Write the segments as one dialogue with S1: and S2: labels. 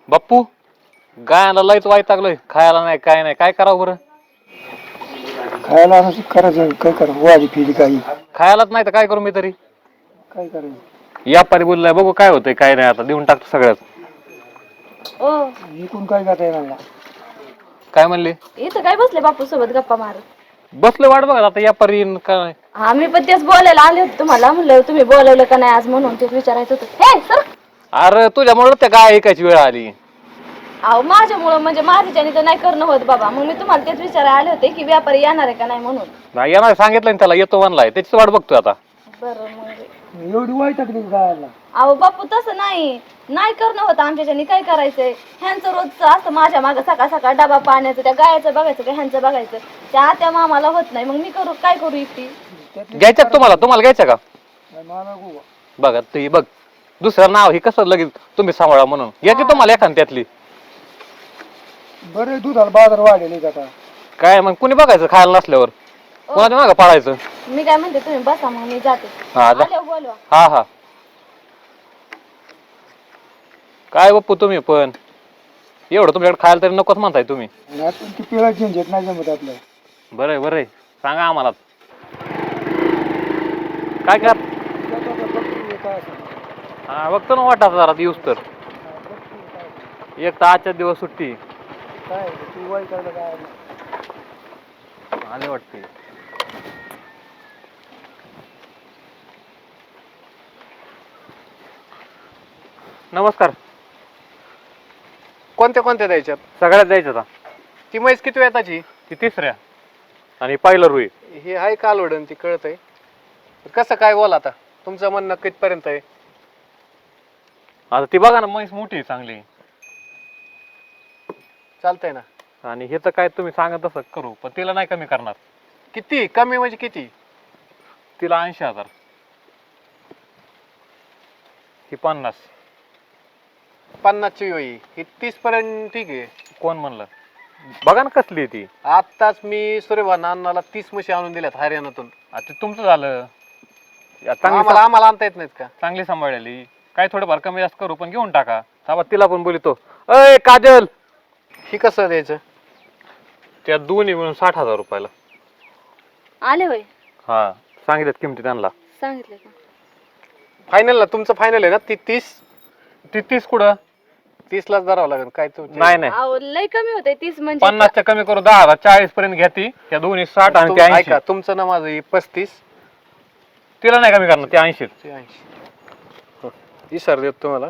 S1: बाप्पू गायला लयच वैतागलोय, खायला नाही काय नाही, काय करावं बरं?
S2: खायला असं करायचं, काय करावं, वाजी फिरी काही
S1: खायलाच नाही तर काय करू मी तरी?
S2: काय करायचं.
S1: व्यापारी बोललाय, बघू काय होतंय काय नाही, आता देऊन टाकतो सगळ्यात.
S3: ओ
S2: इकून काय करता येणार.
S1: काय म्हणले?
S3: इथं काय बसले बापू सोबत गप्पा मारत?
S1: बसले वाट बघा आता व्यापारी येईन काय.
S3: आम्ही पण तेच बोलायला आले होते तुम्हाला, म्हणलं तुम्ही बोलवलं का नाही आज म्हणून तेच विचारायचं होतं. हे सर,
S1: अरे तुझ्यामुळे त्या गाय ऐकायची वेळ आली.
S3: अहो माझ्यामुळं म्हणजे माझ्याच्याने तर नाही करणं होत बाबा, मग मी तुम्हाला तेच विचारायला आले होते की व्यापारी येणार आहे का नाही म्हणून.
S1: नाही येणार सांगितलं ना त्याला, येतो म्हणलाय, त्याची वाट बघतोय आता.
S3: बरं मग
S2: एवढी वाईट टाकली खायला.
S3: अहो बापू तसं नाही करणं होतं आमच्याच्याने, काय करायचंय? ह्यांचं रोजचं असतं माझ्या मागं सकाळ सकाळ डबा पाण्याचं, त्या गायचं बघायचं का ह्यांचं बघायचं, त्या मामाला होत नाही, मग मी काय करू एकटी?
S1: घ्यायचं का तुम्हाला घ्यायचं का?
S2: मला नको.
S1: बघा ते बघ, दुसरं नाव हे कसं लगेच तुम्ही सांभाळा म्हणून घ्यायची तुम्हाला एखाद त्यातली.
S2: बरं दुधाला बाजार वाढेल का आता.
S1: काय मग कुणी बघायचं खायला नसल्यावर, कोणाच्या मागं पाळायचं?
S3: मी काय म्हणते तुम्ही बसा, मग मी जाते.
S1: हा जा.
S3: आल्यावर बोलवा.
S1: हा हा. काय बाप्पू तुम्ही पण एवढं तुमच्याकडे खायला तरी नकोच म्हणताय तुम्ही.
S2: आणि आपण ती पिळा झंझट नाही जमत आपलं.
S1: बरं सांगा आम्हाला काय कर. हा बघतो ना वाटा जरा दिवस तर, एक तर आजच्या दिवस सुट्टी
S2: काय तू वाईट टाकलं काय.
S1: आले वाटते. नमस्कार.
S4: कोणत्या द्यायच्यात?
S1: सगळ्यात द्यायचं आता.
S4: ती म्हैस किती वेताची?
S1: ती तिसऱ्या आणि पहिलं रुई.
S4: हे आहे कालवडन, ती कळत आहे. कसं काय बोल आता, तुमचं म्हणणं कितपर्यंत आहे?
S1: आता ती बघा ना, म्हैस मोठी आहे चांगली.
S4: चालतंय ना.
S1: आणि हे तर काय तुम्ही सांगा तसं करू, पण तिला नाही कमी करणार.
S4: किती कमी म्हणजे किती?
S1: तिला 80,000. ही 50.
S4: 50ची होई, ही 30 पर्यंत ठीक आहे.
S1: कोण म्हणलं? बघा ना कसली आहे ती.
S4: आत्ताच मी सूर्यभान अण्णाला 30 म्हशी आणून दिल्यात हरियाणातून.
S1: आता ते तुमचं झालं.
S4: आम्हाला आणता येत नाहीत का?
S1: चांगली सांभाळलेली, काय थोडंफार कमी जास्त करू, पण घेऊन टाका. थांबा तिला पण बोलितो. अय काजल,
S4: ही कसं द्यायचं?
S1: त्या दोन्ही मिळून 60,000 रुपयाला.
S3: आले होय,
S1: हा सांगितलं किमती त्यांना.
S3: सांगितलं का?
S4: फायनल ना तुमचं, फायनल आहे ना? ती 30
S1: ती 30 कुठं?
S4: 30 लाच धरावं लागेल काय तू?
S1: नाही
S3: अहो लय कमी होते 30 म्हणजे.
S1: 50च्या कमी करू, 10,000 40 पर्यंत घ्या ती. त्या दोन्ही 60 आणि त्या 80.
S4: ऐका, तुमचं ना माझं ही 35.
S1: तिला नाही कमी करणार, त्या 80.
S4: ती 80 इसर देत तुम्हाला.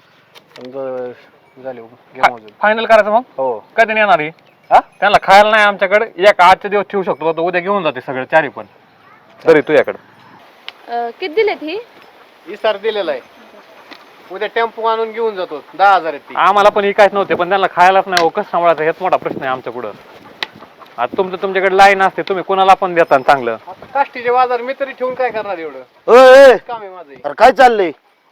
S4: झाले घ्या मोजून.
S1: फायनल करायचं मग.
S4: हो.
S1: कधी येणार ही? हा त्यांना खायला नाही आमच्याकडे, एक आजच्या दिवस ठेवू शकतो, तो उद्या घेऊन जाते सगळे चारी पण. तरी तुझ्याकडे
S3: किती दिलेत ही?
S4: इसार दिलेला आहे. उद्या टेम्पो आणून घेऊन जातो. 10,000 आहेत ती.
S1: आम्हाला पण काहीच नव्हते, पण त्यांना खायलाच नाही. कसं सांभाळायचं हेच मोठा प्रश्न आहे आमच्या पुढं. आता तुमच्याकडे लाईन असते, तुम्ही कोणाला पण देता चांगलं.
S4: आता काष्टीचे बाजार मी तरी ठेवून काय करणार एवढं?
S2: ओय
S4: काम आहे माझं.
S2: अरे काय चाललंय?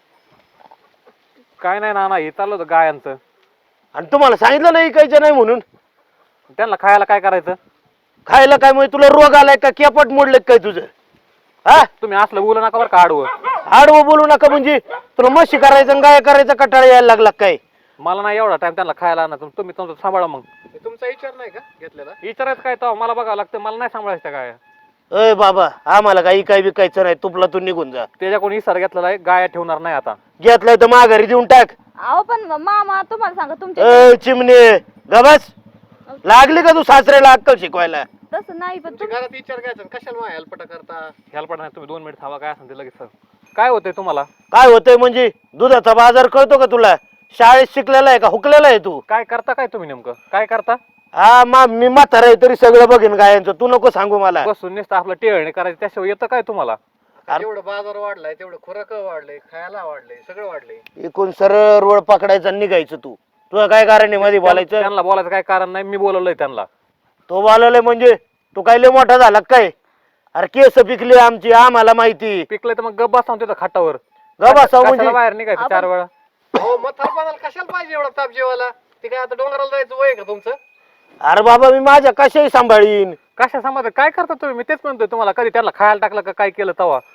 S1: काय नाही ना, हे चाललं होतं गायांचं.
S2: आणि तुम्हाला सांगितलं नाही इकायचं नाही म्हणून.
S1: त्यांना खायला काय करायचं?
S2: खायला काय म्हणजे तुला रोग आलाय का, केपट मोडले काय तुझं? हा
S1: तुम्ही असलं बोलू नका बरं का आडवं.
S2: आडवं बोलू नका म्हणजे तुला म्हशी करायचं गाय करायचं कटाळा यायला लागला काय?
S1: मला नाही एवढा टाइम त्यांना खायला आणा, तुम्ही तुमचं सांभाळा. मग
S4: हे तुमचा विचार नाही का घेतलेला?
S1: विचारायचं काय तर मला बघावं लागतं, मला नाही सांभाळायचं काय.
S2: अय बाबा, आम्हाला काही काय विकायचं नाही, तुपला तू निघून जा.
S1: त्याच्या कोणी इसार घेतलेला आहे, गाया ठेवणार नाही आता.
S2: घेतलाय तर माघारी देऊन टाक.
S3: अहो पण मामा तुम्हाला सांगा तुमच्या
S2: अय चिमणे गबस, लागली का तू सासऱ्याला अक्कल शिकवायला?
S3: तसं नाही, पण
S4: तुमच्या घरात विचार घ्यायचा, कशाला माझ्या हेल्पटा करता?
S1: ह्याला पण नाही, तुम्ही 2 मिनिट थांबा. काय असेल ते लगेच काय होतंय तुम्हाला?
S2: काय होतंय म्हणजे दुधाचा बाजार कळतो का तुला? शाळेत शिकलेला आहे का हुकलेला आहे तू?
S1: काय करता काय तुम्ही नेमकं काय करता?
S2: हा मी म्हातारा आहे तरी सगळं बघेन गायांचं, तू नको सांगू मला.
S1: बसून नुसतं आपलं टेळणे करायचं, त्याशिवाय येतं काय तुम्हाला?
S4: जेवढं बाजार वाढलाय तेवढं खुराक वाढलंय, खायला वाढलंय, सगळं वाढलंय.
S2: एकूण सरळ रोड पकडायचा निघायचं तू. तुला काय कारण आहे मध्ये बोलायचं?
S1: त्यांना बोलायचं काय कारण नाही, मी बोलवलंय त्यांना.
S2: तो बोलवलंय म्हणजे तू काय लय मोठा झाला काय? अरे केस पिकली आमची, आम्हाला माहिती.
S1: पिकलंय तर मग गप्पा सांगतो तिथं खाटावर.
S2: गबा साऊ
S1: कशाला
S2: म्हणजे
S1: बाहेर निघायचं 4 वेळा?
S4: हो म्हातारपणाला कशाला पाहिजे एवढा ताप जेवायला? ते काय आता डोंगराला जायचं वय का तुमचं?
S2: अरे बाबा मी माझ्या कशाही सांभाळीन.
S1: कशा समाज काय करता तुम्ही? मी तेच म्हणतोय तुम्हाला, कधी त्यांना खायला टाकलं का काय केलं तवा?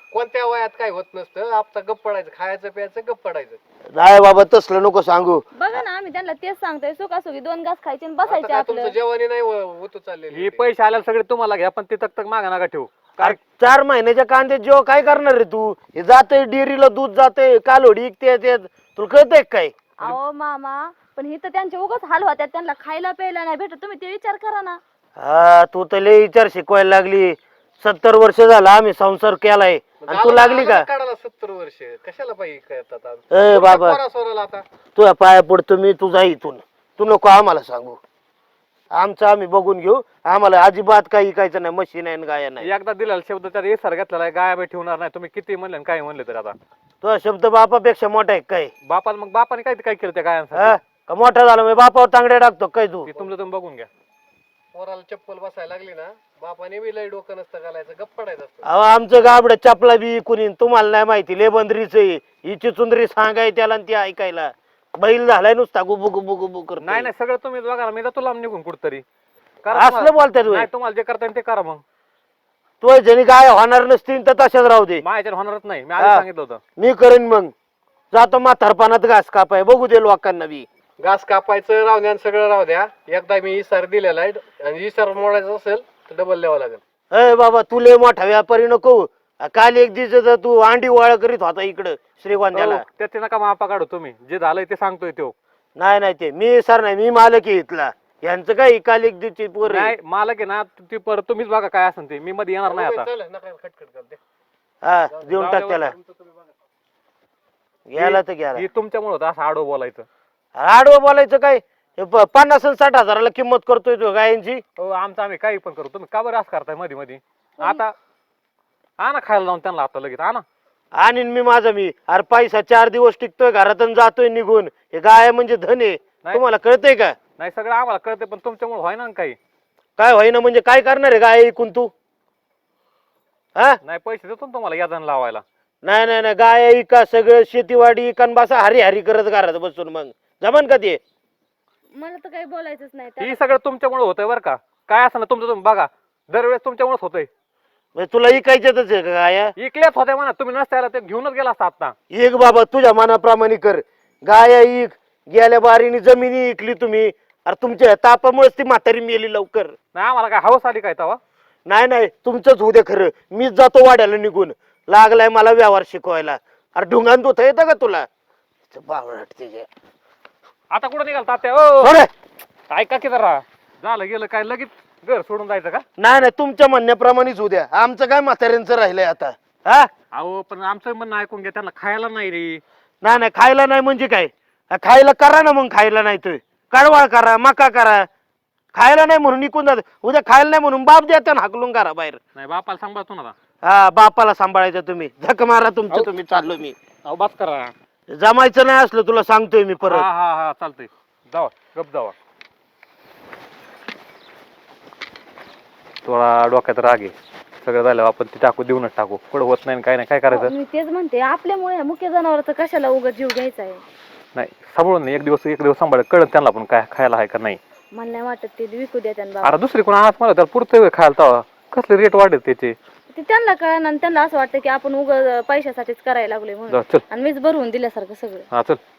S4: कोणत्या वयात काय होत नसतं, आपलं गप्प पडायचं, खायचं प्यायचं गप्प पडायचं.
S2: नाही बाबा तसलं नको सांगू.
S3: बघा ना आम्ही त्यांना तेच सांगतोय, सुखासुखी 2 घास खायचे आणि
S4: आता
S3: बसायचे
S4: काय
S3: आपलं.
S4: तुमचं जेवणी नाही होतो चाललेलं
S1: हे पैसे आल्याला सगळे तुम्हाला घ्या, पण ते तक मागा नका ठेवू.
S2: अरे 4 महिन्याच्या कांद्यात जेव्हा काय करणार रे तू? हे जातंय डेअरीला दूध जातंय, कालोडी इकते तुला कळतंय काय?
S3: अहो मामा, पण ही तर त्यांचे उगाच हाल होत्यात, त्यांना खायला प्यायला नाही भेटत, तुम्ही ते विचार करा ना.
S2: हा तू तर लय विचार शिकवायला लागली. 70 वर्ष झाला आम्ही संसार केलाय आणि तू लागली का?
S4: काढायला 70 वर्ष कशाला पाहिजे काय आता?
S2: ए बाबा
S4: सोराला आता
S2: तुझ्या पाया पडतो मी, तुझा इथून. तू नको आम्हाला सांगू, आमचं आम्ही बघून घेऊ. आम्हाला अजिबात काही ऐकायचं नाही, म्हशी नाही गाया नाही.
S1: एकदा दिलेला शब्द त्यात येसार घेतलेला आहे, गाया बी ठेवणार नाही. तुम्ही किती म्हणले आणि काय म्हणले तर आता
S2: तुझा शब्द बापापेक्षा मोठा आहे काय?
S1: बापाने काय काय केलं त्या
S2: हा
S1: गायांसाठी?
S2: का मोठा झाला मी बापावर तांगड्या टाकतो काय तू?
S1: ते तुमचं तुम्ही बघून घ्या.
S4: पोराला चप्पल बसायला लागली ना, बापाने बी लय डोकं नसतं घालायचं, गप्प पडायचं असतं.
S2: अहो आमचं गाबड चपला बी कुणी तुम्हाला नाही माहिती. ले बंदरीच हिची चुंदरी सांगाय त्याला आणि ती ऐकायला. बैल झालाय नुसता गुबू गुबू गुबू करतो.
S1: नाही नाही सगळं तुम्ही बघा, मी जातो लांब निघून कुठतरी.
S2: असलं बोलतात होय.
S1: नाही तुम्हाला जे करता येईल ते करा. मग
S2: तू जणी गाय होणार नसतील तर तशाच राहू दे.
S1: माझ्याच्यावर होणारच नाही, मी आधी
S2: हा.
S1: सांगितलं होतं.
S2: मी करेन मग. जातो म्हातारपणात घास कापाय, बघू दे लोकांना बी.
S4: घास कापायचं राहू द्या आणि सगळं राहू द्या. एकदा मी इसार दिलेला आहे आणि इसार मोडायचा असेल तर डबल द्यावं लागेल.
S2: अय बाबा तू लय मोठा व्यापारी नको. काल एक दिवस तू अंडी वाळ करीत होता इकडं श्रीगोंद्याला.
S1: हो, त्याचे नका मापा काढू तुम्ही. जे झालंय ते सांगतोय तो.
S2: नाही नाही ते मी सर नाही, मी मालक आहे इथला. यांचं काय काल एक दिवशी पोर
S1: नाही मालक आहे ना, ती परत तुम्हीच बघा काय असेल ते. मी मध्ये येणार नाही आता.
S4: चला, नका खटखट करते.
S2: हा देऊन टाक त्याला. गेला तर गेला.
S1: हे तुमच्यामुळे होतं असं आडो बोलायचं.
S2: आडवं बोलायचं काय? 50 आणि 60 हजाराला किंमत करतोय तो गायांची.
S1: हो आमचं आम्ही काही पण करू. तुम्ही का बरं असं करताय मध्ये मध्ये? आता आणा खायला लावून त्यांना आता लगेच आणा.
S2: आणि मी माझा मी अरे पैसा 4 दिवस टिकतोय घरातून जातोय निघून. हे गाय म्हणजे धन आहे. तुम्हाला कळतंय का?
S1: नाही सगळं आम्हाला कळते, पण तुमच्यामुळे व्हाय ना काही.
S2: काय होईना म्हणजे काय करणार आहे गाय ऐकून तू? हा
S1: नाही पैसे देतो ना तुम्हाला यादन लावायला.
S2: नाही नाही नाही गाय इका सगळं शेतीवाडी इकान बसा हरी हरी करत घरात बसून. मग जमन का ते?
S3: मला तर काही बोलायचंच नाही.
S1: ही सगळं तुमच्यामुळे होतंय बरं का. काय असं ना तुमचं तुम्ही बघा, दरवेळेस तुमच्यामुळेच होतंय.
S2: म्हणजे तुला इकायच्यातच आहे का गाया?
S1: इकल्याच होत्या म्हणा, तुम्ही नसत्याला ते घेऊनच गेला असता आता.
S2: एक बाबा तुझ्या मनाप्रमाणे कर. गाया इक. गेल्या बारीने जमिनी इकली तुम्ही. अरे तुमच्या तापामुळेच ती म्हातारी मेली लवकर.
S1: नाही आम्हाला काय हवस आली काय तवा?
S2: नाही नाही तुमचंच होऊ दे खरं. मीच जातो वाड्याला निघून. लागलाय मला व्यवहार शिकवायला. अरे ढुंगान धुता येतं का तुला? बावळट ते
S1: आता कुठं निघाल तात्या? ओ
S2: सोड.
S1: ऐका की जरा. झालं गेलं काय लगेच घर सोडून जायचं का?
S2: नाही नाही तुमच्या म्हणण्याप्रमाणेच होऊ द्या. आमचं काय म्हाताऱ्यांचं राहिलंय आता. हा
S1: अहो पण आमचं म्हणणं ऐकून घ्या, त्यांना खायला नाही रे.
S2: नाही नाही खायला नाही म्हणजे काय? खायला करा ना मग. खायला नाही तर कडवाळ करा, मका करा. खायला नाही म्हणून निघून जात. उद्या खायला नाही म्हणून बाप द्या त्यांना हाकलून करा बाहेर.
S1: नाही बापाला सांभाळतो ना आता.
S2: हा बापाला सांभाळायचं तुम्ही. झक मारा तुमचं तुम्ही. चाललो मी.
S1: अहो बस करा.
S2: जमायचं नाही असलं तुला सांगतोय मी परत.
S1: हा हा हा चालतंय. जावा गप जावा. थोडा डोक्यात राग आहे. सगळं झालं आपण ते टाकू, देऊनच टाकू. पुढं होत नाही काय नाही काय करायचं.
S3: मी तेच म्हणते, आपल्यामुळे मुख्य जनावरांचं कशाला उगाच जीव घ्यायचा आहे?
S1: नाही सांभाळून नाही, एक दिवस सांभाळ कळत त्यांना पण काय खायला आहे का नाही.
S3: मला नाही वाटत ते विकू द्या त्यांना.
S1: अरे दुसरी कोण आणत मला त्याला पुरतं वेळ खायला तवा. कसले रेट वाढत त्याचे.
S3: ते त्यांना कळण आणि त्यांना असं वाटतं की आपण उगाच पैशासाठीच करायला लागलोय म्हणून.
S1: जा, चल
S3: आणि मीच भरवून दिल्यासारखं सगळं.
S1: हा चल.